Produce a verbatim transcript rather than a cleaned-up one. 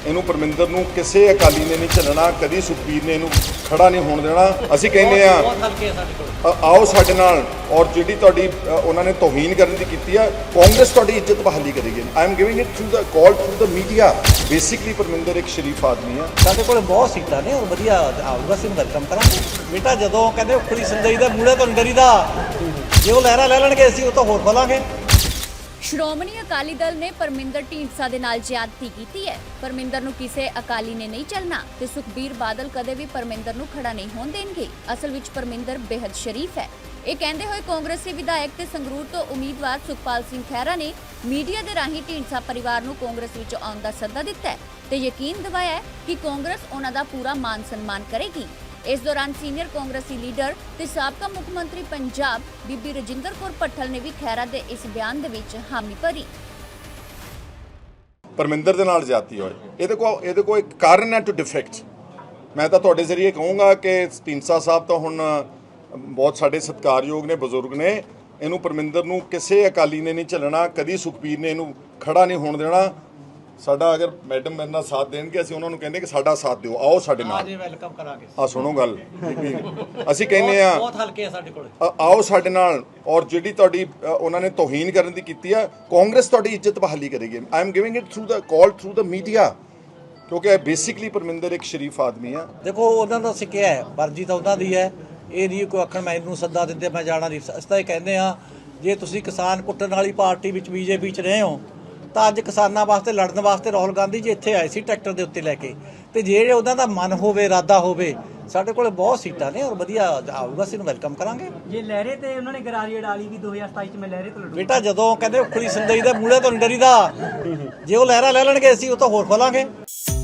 ਇਹਨੂੰ ਪਰਮਿੰਦਰ ਨੂੰ ਕਿਸੇ ਅਕਾਲੀ ਨੇ ਨਹੀਂ ਚੱਲਣਾ, ਕਦੀ ਸੁਖਬੀਰ ਨੇ ਇਹਨੂੰ ਖੜਾ ਨਹੀਂ ਹੋਣ ਦੇਣਾ। ਅਸੀਂ ਕਹਿੰਦੇ ਆ ਆਓ ਸਾਡੇ ਨਾਲ, ਔਰ ਜਿਹੜੀ ਤੁਹਾਡੀ ਉਹਨਾਂ ਨੇ ਤੋਹੀਨ ਕਰਨ ਦੀ ਕੀਤੀ ਆ, ਕਾਂਗਰਸ ਤੁਹਾਡੀ ਇੱਜ਼ਤ ਬਹਾਲੀ ਕਰੇਗੀ। I am giving it through the call through the media. Basically Parminder ਇੱਕ ਸ਼ਰੀਫ ਆਦਮੀ ਆ। ਸਾਡੇ ਕੋਲ ਬਹੁਤ ਸੀਟਾਂ ਨੇ ਔਰ ਵਧੀਆ ਆਊਗਾ, ਅਸੀਂ ਵੈਲਕਮ ਕਰਾਂਗੇ। ਬੇਟਾ ਜਦੋਂ ਕਹਿੰਦੇ ਉਖੜੀ ਸੰਦਈ ਦਾ ਮੂਹਰੇ ਤੋਂ ਡਰੀਦਾ, ਜੇ ਉਹ ਲਹਿਰਾ ਲੈ ਲੈਣਗੇ ਅਸੀਂ ਉਹ ਤਾਂ ਹੋਰ ਖੋਲਾਂਗੇ। ਸ਼੍ਰੋਮਣੀ ਅਕਾਲੀ ਦਲ ਨੇ ਪਰਮਿੰਦਰ ਢੀਂਡਸਾ ਦੇ ਨਾਲ ਜ਼ਿਆਦਤੀ ਕੀਤੀ ਹੈ। ਪਰਮਿੰਦਰ ਨੂੰ ਕਿਸੇ ਅਕਾਲੀ ਨੇ ਨਹੀਂ ਚੱਲਣਾ ਤੇ ਸੁਖਬੀਰ ਬਾਦਲ ਕਦੇ ਵੀ ਪਰਮਿੰਦਰ ਨੂੰ ਖੜਾ ਨਹੀਂ ਹੋਣ ਦੇਣਗੇ। ਅਸਲ ਵਿੱਚ ਪਰਮਿੰਦਰ ਬੇहद ਸ਼ਰੀਫ ਹੈ। ਇਹ ਕਹਿੰਦੇ ਹੋਏ ਕਾਂਗਰਸੀ ਵਿਧਾਇਕ ਤੇ ਸੰਗਰੂਰ ਤੋਂ ਉਮੀਦਵਾਰ ਸੁਖਪਾਲ ਸਿੰਘ ਖਹਿਰਾ ਨੇ ਮੀਡੀਆ ਦੇ ਰਾਹੀਂ ਢੀਂਡਸਾ ਪਰਿਵਾਰ ਨੂੰ ਕਾਂਗਰਸ ਵਿੱਚ ਆਉਣ ਦਾ ਸੱਦਾ ਦਿੱਤਾ ਹੈ ਤੇ ਯਕੀਨ ਦਿਵਾਇਆ ਹੈ ਕਿ ਕਾਂਗਰਸ ਉਹਨਾਂ ਦਾ ਪੂਰਾ ਮਾਨ ਸਨਮਾਨ ਕਰੇਗੀ। ਇਸ ਦੌਰਾਨ ਸੀਨੀਅਰ ਕਾਂਗਰਸੀ ਲੀਡਰ ਤੇ ਸਾਬਕਾ ਮੁੱਖ ਮੰਤਰੀ ਪੰਜਾਬ ਬੀਬੀ ਰਜਿੰਦਰ ਕੌਰ ਭੱਠਲ ਨੇ ਵੀ ਖਹਿਰਾ ਦੇ ਇਸ ਬਿਆਨ ਦੇ ਵਿੱਚ ਹਾਮੀ ਭਰੀ। ਪਰਮਿੰਦਰ ਦੇ ਨਾਲ ਜ਼ਿਆਦਤੀ ਹੋਏ, ਇਹਦੇ ਕੋਲ ਇਹਦੇ ਕੋਲ ਇੱਕ ਕਾਰਨ ਹੈ ਟੂ ਡਿਫੈਕਟ। ਮੈਂ ਤਾਂ ਤੁਹਾਡੇ ਜ਼ਰੀਏ ਕਹੂੰਗਾ ਕਿ ਢੀਂਡਸਾ ਸਾਹਿਬ ਤਾਂ ਹੁਣ ਬਹੁਤ ਸਾਡੇ ਸਤਿਕਾਰਯੋਗ ਨੇ, ਬਜ਼ੁਰਗ ਨੇ। ਇਹਨੂੰ ਪਰਮਿੰਦਰ ਨੂੰ ਕਿਸੇ ਅਕਾਲੀ ਨੇ ਨਹੀਂ ਚੱਲਣਾ, ਕਦੀ ਸੁਖਬੀਰ ਨੇ ਇਹਨੂੰ ਖੜਾ ਨਹੀਂ ਹੋਣ ਦੇਣਾ। ਸਾਡਾ ਅਗਰ ਮੈਡਮ ਮੇਰੇ ਨਾਲ ਸਾਥ ਦੇਣਗੇ, ਅਸੀਂ ਉਹਨਾਂ ਨੂੰ ਕਹਿੰਦੇ ਕਿ ਸਾਡਾ ਸਾਥ ਦਿਓ, ਆਓ ਸਾਡੇ ਨਾਲ। ਜੀ ਵੈਲਕਮ ਕਰਾਂਗੇ। ਆ ਸੁਣੋ ਗੱਲ, ਅਸੀਂ ਕਹਿੰਦੇ ਆ ਬਹੁਤ ਹਲਕੇ ਆ ਸਾਡੇ ਕੋਲ, ਆਓ ਸਾਡੇ ਨਾਲ, ਔਰ ਜਿਹੜੀ ਤੁਹਾਡੀ ਉਹਨਾਂ ਨੇ ਤੋਹੀਨ ਕਰਨ ਦੀ ਕੀਤੀ ਆ, ਕਾਂਗਰਸ ਤੁਹਾਡੀ ਇੱਜ਼ਤ ਬਹਾਲੀ ਕਰੇਗੀ। I am giving it through the call through the media, ਕਿਉਂਕਿ ਬੇਸਿਕਲੀ ਪਰਮਿੰਦਰ ਇੱਕ ਸ਼ਰੀਫ ਆਦਮੀ ਆ। ਦੇਖੋ ਉਹਨਾਂ ਦਾ ਸਿੱਕਿਆ ਹੈ, ਮਰਜ਼ੀ ਤਾਂ ਉਹਨਾਂ ਦੀ ਹੈ। ਇਹ ਨਹੀਂ ਕੋਈ ਆਖਣ ਮੈਂ ਇਹਨੂੰ ਸੱਦਾ ਦਿੰਦੇ ਮੈਂ ਜਾਣਾ ਨਹੀਂ। ਅਸੀਂ ਤਾਂ ਇਹ ਕਹਿੰਦੇ ਆ, ਜੇ ਤੁਸੀਂ ਕਿਸਾਨ ਕੁੱਟਣ ਵਾਲੀ ਪਾਰਟੀ ਵਿੱਚ ਬੀਜੇਪੀ 'ਚ ਰਹੇ ਹੋ ਤਾਂ ਅੱਜ ਕਿਸਾਨਾਂ ਵਾਸਤੇ ਲੜਨ ਵਾਸਤੇ ਰਾਹੁਲ ਗਾਂਧੀ ਜੀ ਇੱਥੇ ਆਏ ਸੀ ਟਰੈਕਟਰ ਦੇ ਉੱਤੇ ਲੈ ਕੇ। ਤੇ ਜਿਹੜੇ ਉਹਨਾਂ ਦਾ ਮਨ ਹੋਵੇ, ਇਰਾਦਾ ਹੋਵੇ, ਸਾਡੇ ਕੋਲ ਬਹੁਤ ਸੀਟਾਂ ਨੇ ਔਰ ਵਧੀਆ ਆਊਗਾ, ਅਸੀਂ ਨੂੰ ਵੈਲਕਮ ਕਰਾਂਗੇ। ਜੇ ਲਹਿਰੇ ਤੇ ਉਹਨਾਂ ਨੇ ਗਰਾਰੀ ਅਡਾਲੀ ਵੀ ਦੋ ਹਜ਼ਾਰ ਸਤਾਈ ਚ ਮੈਂ ਲਹਿਰੇ ਤੋਂ ਲੜੂ। ਬੇਟਾ ਜਦੋਂ ਕਹਿੰਦੇ ਉਖੜੀ ਸੰਦਈ ਦਾ ਮੂਹਰੇ ਤੋਂ ਡਰੀਦਾ, ਜੇ ਉਹ ਲਹਿਰਾ ਲੈ ਲੈਣਗੇ ਅਸੀਂ ਉਹ ਤਾਂ ਹੋਰ ਖੋਲਾਂਗੇ।